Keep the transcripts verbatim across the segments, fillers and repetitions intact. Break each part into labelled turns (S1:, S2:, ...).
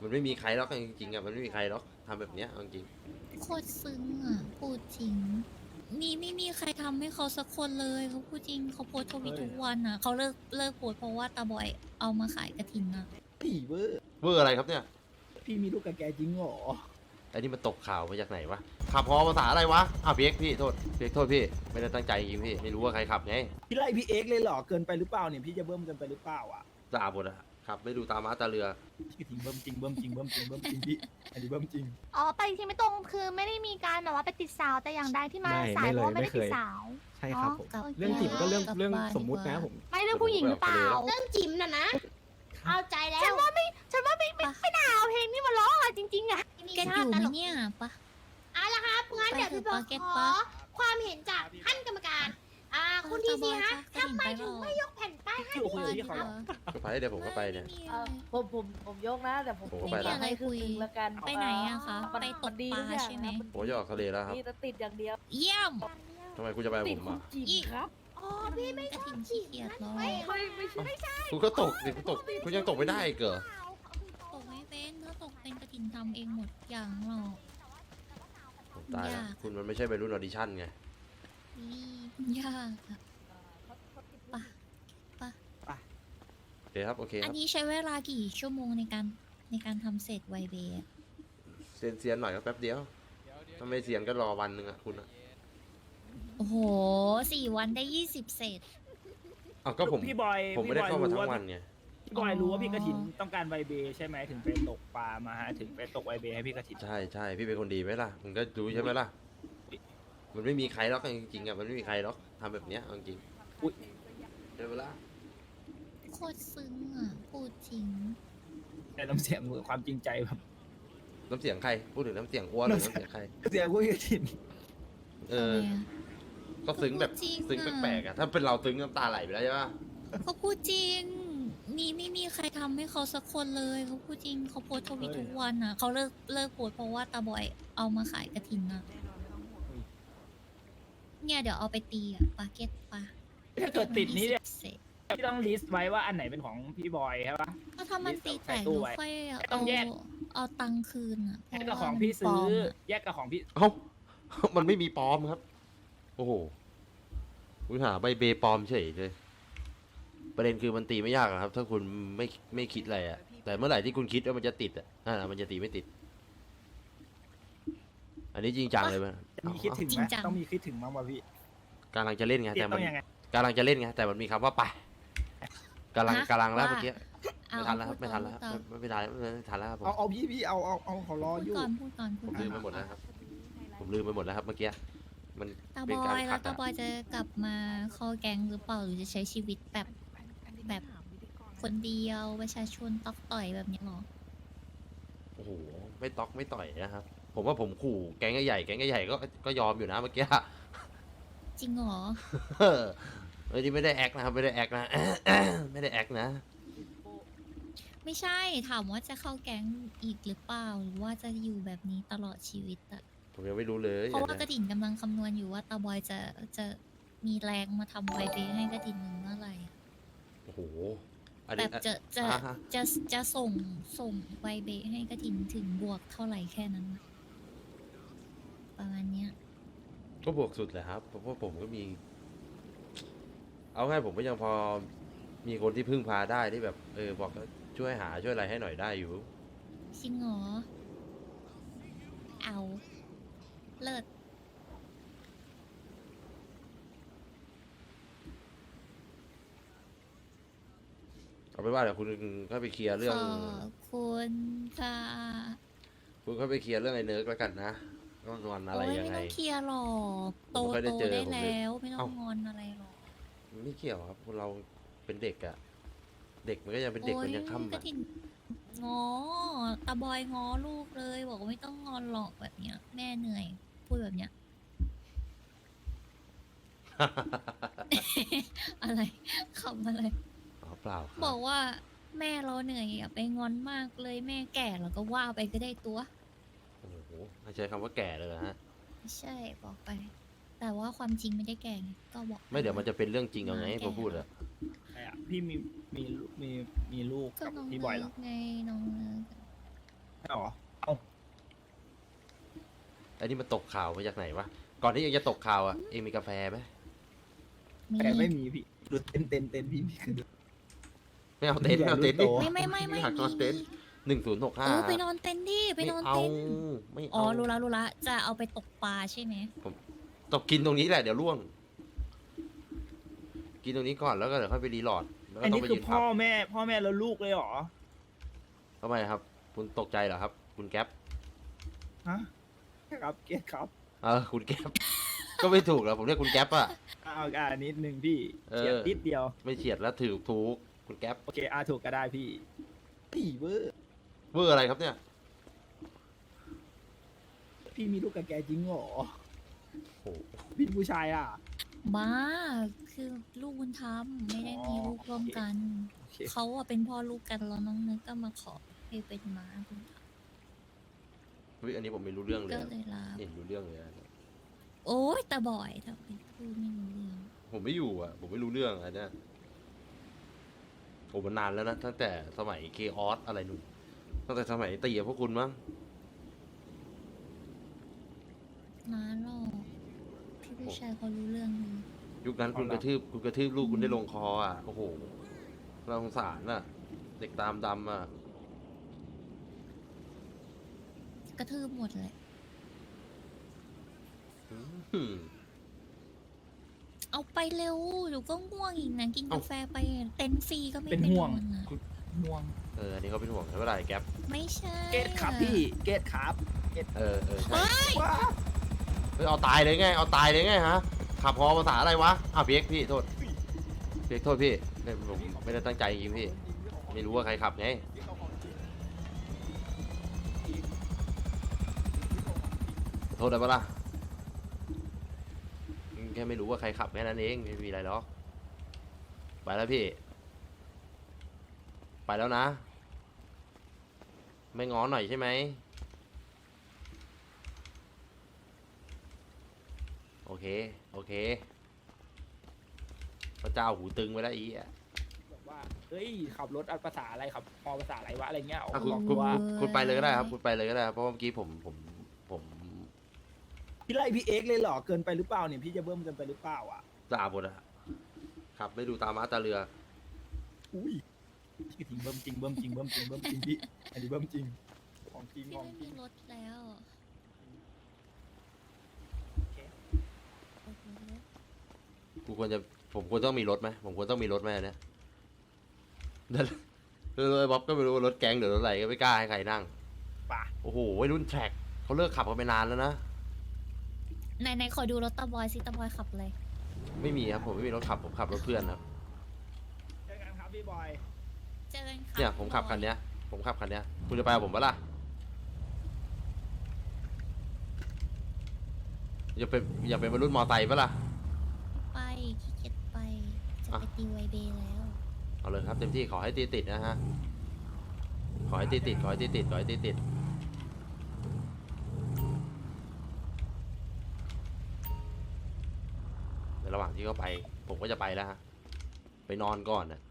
S1: มันไม่มีใครหรอกจริงๆอ่ะมันไม่มีใครหรอกทำแบบเนี้ยจริง
S2: โคตรซึ้งอ่ะพูดจริงมีไม่มีใครทำให้เขาสักคนเลยเขาพูดจริงเขาโพสต์ทวิตทุกวันอ่ะเขาเลิกเลิกโพสต์เพราะว่าตาบอยเอามาขายกระถินอ่ะ
S3: ผีเวอร์
S1: เวอร์อะไรครับเนี่ย
S3: พี่มีลูกกับแกจริงเหรอ
S1: ไอ้นี่มันตกข่าวมาจากไหนวะขับพอภาษาอะไรวะอ้าวพี่เอ็กซ์พี่โทษพี่เอ็กซ์โทษพี่ไม่ได้ตั้งใจจริงพี่ไม่รู้ว่าใครขับไง
S3: พี่ไล่พี่เอ็กซ์เลยเหรอเกินไปหรือเปล่าเนี่ยพี่จะเบิ่มเกินไปหรือเปล่าอ่ะ
S1: ด่าหมดอะขับไม่ดูตาม้าตาเรือ
S3: พี่ทิ้งเบิ่มจริงเบิ่มจริงเบิ่มจริงเบิ่มจริงพี่อันนี้เบิ่มจริง
S4: อ๋อไปจริงๆไม่ตรงคือไม่ได้มีการแบบว่าไปติดสาวแต่อย่างใดที่มา
S5: ไม่
S4: สาย
S5: ไม่
S4: เพ
S5: เลย
S4: ราะว่าไม่
S5: ไม่
S4: ได้
S5: เค
S4: ติด
S5: ย
S4: สาว
S5: ใช่ครับผม
S2: กลับ
S5: เรื่องจิ๋มก็เรื่อง
S2: กลับ
S5: เรื่อง
S2: บ้าน
S5: สมมุติ
S2: ดีก
S5: นะ
S2: ว่า
S5: ผม
S4: ไม่เรื่องผู้หญิงหรือเปล่า
S6: เรื่องจิ๋มน่ะนะ เอาใจแล้ว
S4: ฉันว่าไม่ฉันว่าไม่ไม่ไม่น่าเอาเพลงนี้มาร้องอะจริงๆอะ
S2: แกอยู่ไหมเนี่ยปะ
S6: เอาละครับงั้นเดี๋ยวพี่บอก
S2: ไปเถอะ
S6: ข
S2: ปา
S6: อ
S2: เก็ตปะ
S6: ความเห็นจากท่านกรรมการ อ่า คุณทีซีฮะทำไมถึงไม่ยกแผ่นป้ายให้
S3: พี่คุยกับพี่เขาเหรอ
S1: ก็ไปเดี๋ยวผมก็ไปเนี่ย
S2: ม่มี
S7: เอ่
S2: อะ
S7: อ
S2: ไร
S7: ผมผมผมยกนะแต่ผม
S1: ผม
S7: ผม
S1: ไป
S2: ไม่มี
S1: ละ
S2: อะไรคุย
S7: ให้ครึ่งหนึ่งละกัน
S2: ไปไหนอะคะ
S7: มัน
S2: ไปต
S7: มั
S2: ก
S7: นดี
S2: ปลา
S7: ทุกอย่าง
S2: ใช่ไหม
S7: นะ
S1: ผมจะออกทะเลแล้วครับ
S7: นี่จะติดอย่างเดียว
S2: เยี่ยม
S1: ทำไมคุณจะไปกับ
S7: ติ
S1: ผ
S7: ด
S1: ม
S7: คุ
S1: อ่ะ
S7: ณจีบครับ
S6: อ๋อพี่ไม่
S2: กระ
S6: ชอบ
S2: ถิน
S6: จิ
S2: ขี้
S6: ๋ม
S2: เกียจ
S6: นั่น
S2: หรอ
S6: ไม่
S7: ไม่ไม่ใช่ไม่ใช่
S1: คุณก็ตกดิคุณตกคุณยังตกไม่ได้อีกเหรอ
S2: ตกไม่เป็นถ้าตกเป็นกระถินทำเองหมดอย่างหรอก
S1: ผมตายแล้ว
S2: ยาก
S1: คุณมันไม่ใช่ไปรุ่นออดิชั่นไง
S2: นี่ยากอะปะปะ
S1: โอเคครับโอเค
S2: อั
S1: คน รับ
S2: นี้ใช้เวลากี่ชั่วโมงในการในการทำเสร็จไวเบย์อะ
S1: เซียนเซียนๆหน่อยก็แป๊บเดียวถ้าไม่เซียนก็รอวันหนึ่งอ่ะคุณอ่ะ
S2: โอ้โหสี่วันได้ยี่สิบเศษ
S1: อ้าวก็ผม
S3: พี่บอย
S1: ผมไม่ได้
S3: พี่บอย
S1: เข้ามา
S3: รู้
S1: ทั้ง
S3: ว่า
S1: วันไง
S3: พี่บอยรู้ว่าพี่
S2: อ๋อ
S3: กระถินต้องการไวเบใช่ไหมถึงไปตกปลามาฮะถึงไปตกไวเบให้พี่กระถิน
S1: ใช่ใช่พี่เป็นคนดีไหมล่ะมึงก็รู้ใช่ไหมล่ะมันไม่มีใครหรอกจริงๆอ่ะมันไม่มีใครหรอกทำแบบเนี้ยจริง
S3: อุ๊ย
S1: ๆเดี๋ยวเวลา
S2: โคตรซึ้งอ่ะพูดจริง
S3: แต่น้ำเสียงมือความจริงใจแบบ
S1: น้ำเสียงใครพูดถึงน้ำเสียงอ้วนหรือน้ำเสียงใคร
S3: เสียงพี่กระถิน
S1: เออ
S2: ทำไมอะ
S1: ก็ซึ้งแบบ
S2: จริงอะ
S1: ซึ้งแปลกๆอ่ะถ้าเป็นเราซึ้งน้ำตาไหลไปแล้วใช่ปะ
S2: เขาพูดจริง มีไม่มีใครทำให้เขาสักคนเลยเขาพูดจริงเขาโพสต์ทวิตทุกวันอ่ะเขาเลิกเลิกโพสต์เพราะว่าตาบอยเอามาขายกระถินอ่ะเนี่ยเดี๋ยวเอาไปตีอ่ะปาเก็ตปะ
S3: ถ้าเกิดติดนี้เนี่ย
S2: เสร็จ
S3: พี่ต้องลิสต์ไว้ว่าอันไหนเป็นของพี่บอยใช่ปะ
S2: ก็ถ้ามันตีแตก
S3: ใส่ตู้
S2: เรา
S3: ไว้
S2: ค่อย
S3: ต้
S2: เอา
S3: องแยก
S2: เอาตังค์คืนอ่ะเพ
S3: แยก
S2: ราะ
S3: กับ
S2: ว่า
S3: ของ
S2: มัน
S3: พี่
S2: ปล
S3: ซื้
S2: อ
S3: อ
S2: มอะ
S3: แยกกับของพี่
S1: เอ้า มันไม่มีปลอมครับ โอ้โหคุณหาใบเบปลอมเฉยเลย ประเด็นคือมันตีไม่ยากหรอกครับ ถ้าคุณไม่ไม่คิดอะไรอะแต่เมื่อไหร่ที่คุณคิดว่ามันจะติดอะนั่นอะมันจะตีไม่ติด อันนี้จริงจังเลยมั้ย
S3: มีคิดถึงไหมต้องมีคิดถึงมั้งวะพี่
S1: กำลังจะเล่นไง
S3: เทีย
S1: แต่
S3: บ
S1: มั
S3: ต้
S1: น
S3: องยังไง
S1: กำลังจะเล่นไงแต่มันมีคำว่าไปกำลัง
S2: ฮะ
S1: กำลังแล้ว
S2: ว่า
S1: เมื่อกี้
S2: เอา
S1: ไม่ทันแล้วครับ
S2: พู
S1: ไม่
S2: ด
S1: ทัน
S2: ก่
S1: แล้ว
S2: อน
S1: ไม่ไม่ทันแล้วไม่ทันแล้วครับผม
S3: เอาเอาพี่พี่เอาเอาเอาเขารอ
S2: พูด
S3: อยู่
S2: ก่อนพูดก่อนพู
S1: ผ
S2: ด
S1: ม
S2: ก่อ
S1: ลื
S2: น
S1: มไปหมดแล้วครับ ผมลืมไปหมดแล้วครับเมื่อกี้มัน
S2: ตาบ
S1: เป็น
S2: อ
S1: การ
S2: ย
S1: ขั
S2: แล้
S1: ด
S2: วตา
S1: อะ
S2: บอยจะกลับมาเข้าแก๊งหรือเปล่าหรือจะใช้ชีวิตแบบแบบคนเดียวประชาชนตอกต่อยแบบนี้หรอ
S1: โอ้โหไม่ต๊อกไม่ต่อยนะครับ ผมว่าผมขู่แก๊งใหญ่ๆแก๊งใหญ่ๆก็ก็ยอมอยู่นะเมื่อกี้
S2: จริงเหรอ
S1: เออเฮ้ยนี่ไม่ได้แอคนะครับไม่ได้แอคนะ ไม่ได้แอคนะ
S2: ไม่ใช่ถามว่าจะเข้าแก๊งอีกหรือเปล่าหรือว่าจะอยู่แบบนี้ตลอดชีวิตอะ
S1: ผมยังไม่รู้เลย
S2: เพราะว่ากระถิ่นกำลังคำนวณอยู่ว่าตาบอยจะจะมีแรงมาทำไวเบย์ให้กระถิ่นหนึ่งเมื่อไหร่อะ
S1: โอ้โหอัน
S2: แบ
S1: นี้
S2: บจะจะ
S1: อ่าฮะ
S2: จะจะส่งส่งไวเบย์ให้กระถิ่นถึงบวกเท่าไหร่แค่นั้นอะประมาณเนี้ย
S1: ก็บวกสุดแหละครับเพราะว่าผมก็มี เอาง่ายผมก็ยังพอมีคนที่พึ่งพาได้ที่แบบ เออบอกว่าช่วยหาช่วยอะไรให้หน่อยได้อยู่
S2: จริงเหรอเอาเลิศ
S1: เอาไปนว่าเดี๋ยวคุณก็ไปเคลียร์เรื่อง
S2: ขอบคุณค่ะ
S1: คุณก็ไปเคลียร์เรื่องไอ้เนิร์กแล้วกันนะก็งอนอะไร
S2: โอ้ย
S1: ยัง
S2: ไม่
S1: ไง
S2: ต้องเคลียร์หรอกโต
S1: ผมไม่ค่อยได้
S2: โต
S1: เจอ
S2: ได้
S1: ผมเลย
S2: แล้วไม่ต้อ
S1: เอ้า
S2: งงอนอะไรหรอก
S1: ไม่เกี่ยวครับคนเราเป็นเด็กอะเด็กมันก็ยังเป็นเด็ก
S2: โอ้
S1: มัน
S2: ย
S1: ยังค่ำ
S2: กระ
S1: อะ
S2: ถิ่นงอตาบอยงอลูกเลย บอกว่าไม่ต้องงอนหรอกแบบเนี้ย แม่เหนื่อย พูดแบบเนี้ย อะไรคำอะไร
S1: อ๋อเปล่าครับ
S2: บอกว่าแม่เราเหนื่อยอย่าไปงอนมากเลยแม่แก่แล้วก็ว่าไปก็ได้ตัว
S1: โอ้โหไม่ใช้คำว่าแก่เลยเหรอฮะ
S2: ไม่ใช่บอกไป แต่ว่าความจริงไม่ได้แก่ไงก็บอกป
S1: ไม่เดี๋ยวมันจะเป็นเรื่องจริงเอาไง
S2: แก่
S1: พอพูดอะ
S3: ใช่อะพี่มีมีมีมีลูก
S2: ก็
S3: กับ
S2: น้อง
S3: พี่บอยเหร
S2: เนิ
S3: อ
S2: ร์กไงน้องเนิร์ก
S3: อ๋อเอ้า
S1: ไอ้นี่มันตกข่าวมาจากไหนวะ ก่อนที่เองจะตกข่าวอ่ะ เองมีกาแฟไหม
S2: มี
S3: แต่ไม่มีพี่ดูเต้นเต้นเต้นพี่พี่คือดู
S1: ไม่เอาเต็นท์ไม่เอาเต็นท์ดิ
S2: ไม่ไม่ไม่ไม่
S1: อยากนอนเต็นท์หนึ่งศูนย์หก
S2: เอ
S1: ห้า
S2: อไปนอนเต็นท์ดิไป
S1: ไม่
S2: นอน
S1: เอา
S2: เต็นท์
S1: ไม่
S2: อ๋อ
S1: เอา
S2: รู้ละรู้ละจะเอาไปตกปลาใช่ไหม
S1: ตกกินตรงนี้แหละเดี๋ยวล่วง กินตรงนี้ก่อนแล้วก็เดี๋ยวค่อยไปรีโหลดแล้วก็
S3: อัน
S1: ต้อ
S3: นี้
S1: งไป
S3: คือ
S1: ยืน
S3: พ่
S1: พั
S3: อบ แม่ พ่อแม่แล้วลูกเลยเหรอ
S1: ทำไมครับ คุณตกใจเหรอครับ คุณแก๊ป
S3: ฮะครับเกตครับ
S1: เออคุณแก๊ป ก็ไม่ถูกแล้วผมเรียกคุณแก๊ปอะ
S3: เอาอ่านิดนึงพี่
S1: เออ
S3: เฉียดนิดเดียว
S1: ไม่เฉียดแล้วถือถูกคุณแก๊ป
S3: โอเคอาถูกก็ได้พี่พี่เวอร์
S1: เบอร์อะไรครับเนี่ย
S3: พี่มีลูกกับแกจริงเหรอ
S1: โอ้โห
S3: พี่ผู้ชายอ่ะ
S2: บ้าคือลูกบุญธรรมไม่ได้มีลูกร่วมกัน
S3: โอเค
S2: เขาอะเป็นพ่อลูกกันแล้วน้องนึกก็มาขอให้เป็นม้าบุญธรรม
S1: เฮ้ยอันนี้ผมไม่รู้เรื่องเลย
S2: ก็
S1: อะ
S2: เลยลา
S1: เห็นรู้เรื่องเลยอะ
S2: โอ้ยแต่บ่อยถ้าเป็นพูดไม่รู้เรื่อง
S1: ผมไม่อยู่อ่ะ ผมไม่รู้เรื่องอันเนี้ยโอ้มันนานแล้วนะตั้งแต่สมัยเคออสอะไรนู่นตั้งแต่สมัยตีกับพวกคุณมั้ง
S2: นานหรอกพี่ผู้ชายเขารู้เรื่องดี
S1: ยุคนั้นคุณกระทืบคุณกระทืบลูกคุณได้ลงคออ่ะ โอ้โหเราสงสารน่ะ เด็กตามดำอ่ะ
S2: กระทืบหมดเลย
S1: อืม
S2: เอาไปเร็วเดี๋ยวก็ง่วงอีกนะกิน
S1: เอ้า
S2: กาแฟไปเต็นท์ฟรีก็ไม่
S3: เป็น
S2: ไป
S3: ห่วง
S2: นอนอะ
S3: คุณห่วง
S1: เอออันนี้เขาเป็นห่วงใช่ไหมล่ะไอ้แก๊ป
S2: ไม่ใช่
S3: เกตครับพี่เกตครับ
S1: เออเออใช่
S3: ว้า
S1: เฮ้ยเอาตายเลยไง เอาตายเลยไงฮะ ขับพอภาษาอะไรวะอ้าวเพียกพี่โทษเพียกโทษพี่เนี่ยผมไม่ได้ตั้งใจจริงๆพี่ ไม่รู้ว่าใครขับไง โทษได้ปะล่ะอืมแค่ไม่รู้ว่าใครขับแค่นั้นเองไม่มีอะไรหรอก ไปแล้วพี่ ไปแล้วนะ ไม่ง้อหน่อยใช่ไหม โอเค โอเค พระเจ้าหูตึงไปแล้วอีอ่ะ
S3: แบบว่าเฮ้ยขับรถอัดภาษาอะไรครับพอภาษาอะไรวะอะไรเงี้ย
S1: อ่ะคุณ
S3: บอก
S1: คุณ
S3: ว่า
S1: คุณไปเลยก็ได้ครับ คุณไปเลยก็ได้ครับเพราะว่าเมื่อกี้ผมผมผม
S3: พี่ไล่พี่เอ็กซ์เลยเหรอเกินไปหรือเปล่าเนี่ยพี่จะเบิ้มเกินไปหรือเปล่าอ่ะ
S1: จ่าหมดอะขับไม่ดูตาม้าตาเรือ
S3: อุ้ยพี่ทิ้งเบิ้มจริงเบิ้มจริงเบิ้มจริงเบิ้มจริงพี่อันนี้เบิ้มจริงของจริง
S2: พี่
S3: ของ
S2: ไม่
S3: จริ
S2: มี
S3: ง
S2: รถแล้วโอเค
S1: กูควรจะผมควรต้องมีรถไหมผมควรต้องมีรถไหมอันเนี่ยแล้วเลยบ๊อบก็ไม่รู้ว่ารถแก๊งหรือรถอะไรก็ไม่กล้าให้ใครนั่ง
S3: ป่ะ
S1: โอ้โหวัยรุ่นแทร็กเขาเลิกขับกันไปนานแล้วนะ
S2: ไหนไหนขอดูรถตาบอยสิตาบอยขับเลย
S1: ไม่มีครับผมไม่มีรถขับผมขับรถเพื่อนครับ
S3: เจอกันครับพี่บอย
S2: เจอกันค่ะ
S1: เนี่ยผมขับคันเนี้ย ผมขับคันเนี้ยคุณจะไปกับผมปะล่ะอย่าเป็นอย่าเป็นวัยรุ่นมอไซค์ปะล่ะ
S2: ไปขี้เกียจไปจะ
S1: อ่ะ
S2: ไปตีไวเบย์แล้ว
S1: เอาเลยครับเต็มที่ขอให้ตีติดนะฮะขอให้ตีติดขอให้ตีติดขอให้ตีติดในระหว่างที่เขาไป ผมก็จะไปแล้วฮะไปนอนก่อนนะ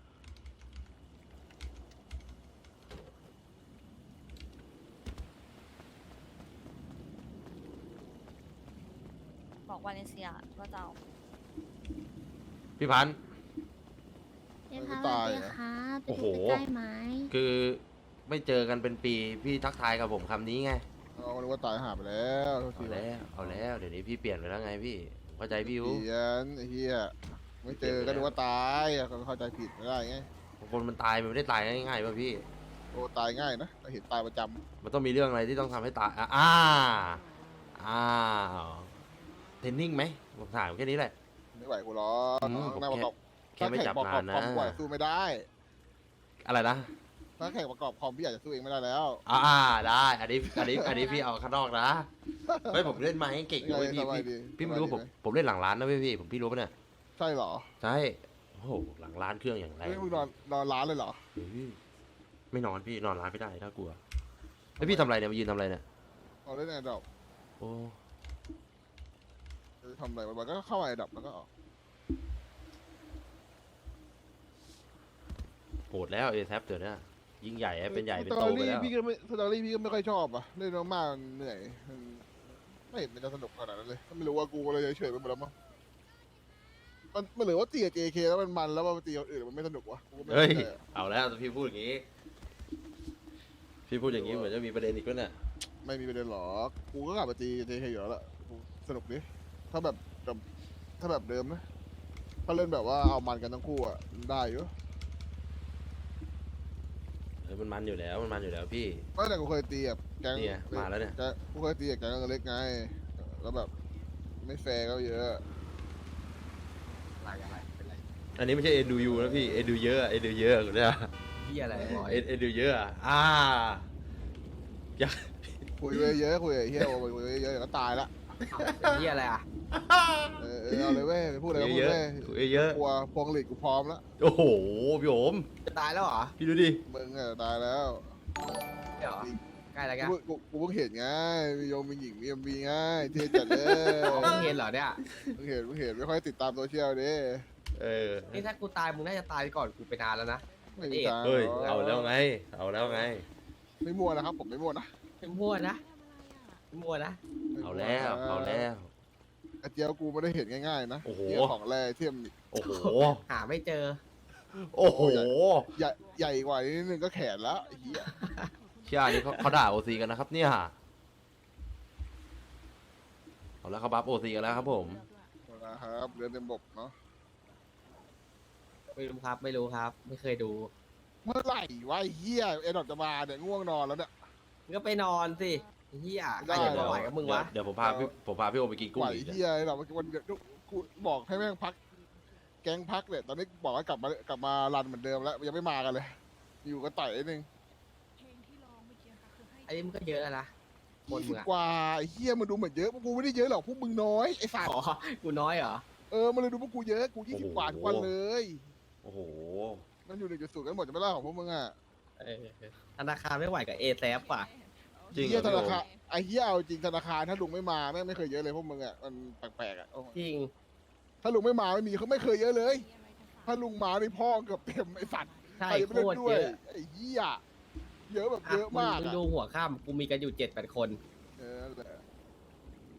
S7: บอกวาเลนเซียว่าจะเอา
S1: พี่พันธ์
S4: เดี๋ยวค่ะ
S5: ตาย
S4: เดี๋ยว
S5: อะ
S4: ค่ะ
S1: โอ้โห
S4: จะใกล้ไหม
S1: คือไม่เจอกันเป็นปีพี่ทักทายกับผมคำนี้ไง
S5: เอานึกว่าตายหาไปแล้วโทษ
S1: เอา
S5: ที
S1: แล้วเอาแล้วเดี๋ยวนี้พี่เปลี่ยนไปแล้วไงพี่ผมเข้าใจพี่อยู่
S5: เพียนไอ้เฮียไม่เจอก็นึกว่าตายอะก็เข้าใจผิดไม่ได้ไง
S1: คนมันตายมันไม่ได้ตายง่ายๆป่ะพี่
S5: โอ้ตายง่ายนะแต่เห็นตายประจ
S1: มันต้องมีเรื่องอะไรที่ต้องทำให้ตายอ่ะอ่าอ้าวเทรนนิ่งไหมผมถามแค่นี้แหละ
S5: ำไม่ไหวกูหรอก
S1: อืมผม
S5: หน้าประกอบ
S1: แค่ไม่จับ
S5: ถ้าแข่งประก
S1: งา
S5: อน บ
S1: นะ
S5: คอมกว่าสู้ไม่ได้
S1: อะไรนะ
S5: ถ้าแข่งประกอบคอมพี่อาจจะสู้เองไม่ได้แล้ว
S1: อ่าได้ อันนี้อันนี้อันนี้พี่เอาข้างนอกนะเฮ้ยผมเล่นมาให้เก่งด้วยพี่
S5: สบาย
S1: พี่
S5: ดี
S1: พี่ไม่รู้
S5: ส
S1: ผ
S5: บาม ยดี
S1: ผมเล่นหลังร้านนะพี่พี่ผมพี่รู้ปะเนี่ย
S5: ใช่เหรอ
S1: ใช่โอ้โหหลังร้านเครื่องอย่างไร
S5: เฮ้ยมึงนอนนอนร้านเลยเหรอ
S1: เฮ้ยไม่นอนพี่นอนร้านไม่ได้น่ากลัวแล้วพี่ทำอะไรเนี่ยมายืนทำอะไรเนี่ย
S5: เอาเล่นไอ้ดอก
S1: โอ้
S5: จะทำอะไรมันก็เข้าไอ้ดับแล้วก็ออก
S1: โหดแล้วเอแซปเดี๋ยวนี้ยิ่งใหญ่ให้เป็นใหญ่เป็น
S5: ส
S1: โต
S5: ตอ
S1: ไป
S5: รี่
S1: แล้ว
S5: พี่ก็ไม่สตอรี่พี่ก็ไม่ค่อยชอบอ่ะเล่นมากๆเหนื่อยมันไม่เห็นมันจะสนุกขนาดนั้นเลยก็ไม่รู้ว่ากูเลยเฉยๆไปหมดแล้วมั้งมันมันเหลือว่าตีกับ เจ เค แล้วมันมันแล้วมาตีกับอื่นมันไม่สนุกวะกูก็ไม่
S1: เฮ้ย
S5: เข้าใจอะ
S1: เอาแล้วพี่พูดอย่างนี้ พี่พูดอย่างนี้เหมือนจะมีประเด็นอีกแล้วเนี่ย
S5: ไม่มีประเด็นหรอกกูก็กลับมาตี เจ เค อยู่แล้วล่ะกูสนุกดิถ้าแบบแบบถ้าแบบเดิมนะถ้าเล่นแบบว่าเอามันกันทั้งคู่อ่ะได้อยู่
S1: เออมันมันอยู่แล้วมันมันอยู่แล้วพี่
S5: ก็แต่กูเคยตีแบบแก๊ง
S1: เนี่ยมาแล้วเนี่ย
S5: แก๊งกูเคยตีกับแก๊งเล็กไงแล้วแบบไม่แฟร์ก็เยอะ
S3: อะไรอะไรเป็นไร
S1: อันนี้ไม่ใช่เอ็นดูยูนะพี่เอ็นดูเยอะเอ็นดูเยอะกูเนี่ย
S3: พี่อะไรบอย
S1: เอ็นเอ็นดูเยอะอะอ่าอยาก
S5: คุยไปเยอะคุยไอ้เฮียโอ้ยคุยไปเยอะเดี๋ยวก็ตายละ
S3: พี่อะไรอ่ะ
S5: เออเออเอาเลยเว้ยไปพูดอะไรก็พูด
S1: เยอะ
S5: เว้ย
S1: คุยเยอะ
S5: กลัวพวงหลีดกูพร้อมแล้ว
S1: โอ้โหพี่โอม
S3: จะตายแล้วเหรอ
S1: พี่ดูดิ
S5: มึงอะตายแล้ว
S3: เดี๋ยวใกล้แล้วแก
S5: กูกูกูเพิ่งเห็นไงมีโยมมีหญิงมีเอ็มบีไงเท่จัดเลย
S3: อ๋อเพิ่งเห็นเหรอเนี่ย
S5: เพิ่งเห็นเพิ่งเห็นไม่ค่อยติดตามโซเชียลดิ
S1: เออ
S3: นี่ถ้ากูตายมึงน่าจะตายก่อนกูไปนานแล้วนะ
S5: ไม่มีทาง
S1: เฮ้ย
S5: หรก
S1: เอาแล้วไง เอาแล้วไง
S5: ไม่มั่วนะครับผมไม่มั่วนะ
S3: เป็นมั่วนะเป็นมั่วนะ
S1: เอาแล้วเอาแล้ว
S5: กระเจียวกูไม่ได้เห็นง่ายๆนะ
S1: โอ้โห
S5: เหี้ยของแร่เทียม
S1: โอ้โห
S3: หาไม่เจอ
S1: โอ้โห
S5: ใหญ่ใหญ่กว่านิดนึงก็แขนแล้วไอ้เหี้ย
S1: เชี่ยนี่เขาเขาด่าโอซีกันนะครับเนี่ยเอาแล้วเขาบัฟโอซีกันแล้วครับผม
S5: นะครับเรือเต็มบกเนาะ
S3: ไม่รู้ครับ ไม่รู้ครับ ไม่เคยดู
S5: เมื่อไหร่วะไอ้เหี้ยเอ็ดอกจะมาเนี่ยง่วงนอนแล้วเนี่ย
S3: มึงก็ไปนอนสิไอ้เฮีย
S5: ได้
S3: ใครจะมาไหวกับมึงวะ
S1: เดี๋ยวผมพาพี่ผมพาพี่โอไปกินกุ้
S5: ไห
S1: ง
S5: ว
S1: อีก
S5: เหี้ยเราวันเดียวกูบอกให้แม่งพัก แก๊งพักเนี่ยตอนนี้บอกว่ากลับมากลับมารันเหมือนเดิมแล้วยังไม่มากันเลย อยู่ก็ต่อยนิดนึง
S3: ไอ้นี่มึงก็เยอะแล้วนะคน
S5: ยี่สิ
S3: มึ
S5: บ
S3: งอะ
S5: กว่าไอ้เหี้ยมันดูเหมือนเยอะพวกกูไม่ได้เยอะหรอกพวกมึงน้อยไอ้สัตว์
S3: อ๋อกูน้อยเหรอ
S5: เออมันเลยดูพวกกูเยอะกูยี่สิบกว่าทุกวันเลย
S1: โอ้โห
S5: มันอยู่หนึ่งจุดศูนย์กันหมดจะไม่เล่าของพวกมึงอ่ะ
S3: เออธนาคารไม่ไหวกับเอแซฟว่ะ
S1: จริงเหรอ
S5: เหี้ยธ
S1: พี่โอ
S5: นาคารไอ้เหี้ยเอาจริงธนาคารถ้าลุงไม่มาแม่งไม่เคยเยอะเลยพวกมึงอ่ะมันแปลกๆอ่ะโอ้
S3: จริง
S5: ถ้าลุงไม่มาไม่มีเขาไม่เคยเยอะเลย ถ้าลุงมาในพ่อเกือบเต็มไอ้สัตว์
S3: ใช่
S5: ใครจะ
S3: โค
S5: ไม่เล่น
S3: ตร
S5: ด้ว
S3: เย
S5: ย
S3: อะ
S5: ไอ้เหี้ยเยอะแบบ
S3: อ่ะ
S5: เยอะมาก
S3: ง
S5: อะ
S3: ดูหัวข้ามกูมีกันอยู่เจ็ดแปดคน
S5: เออ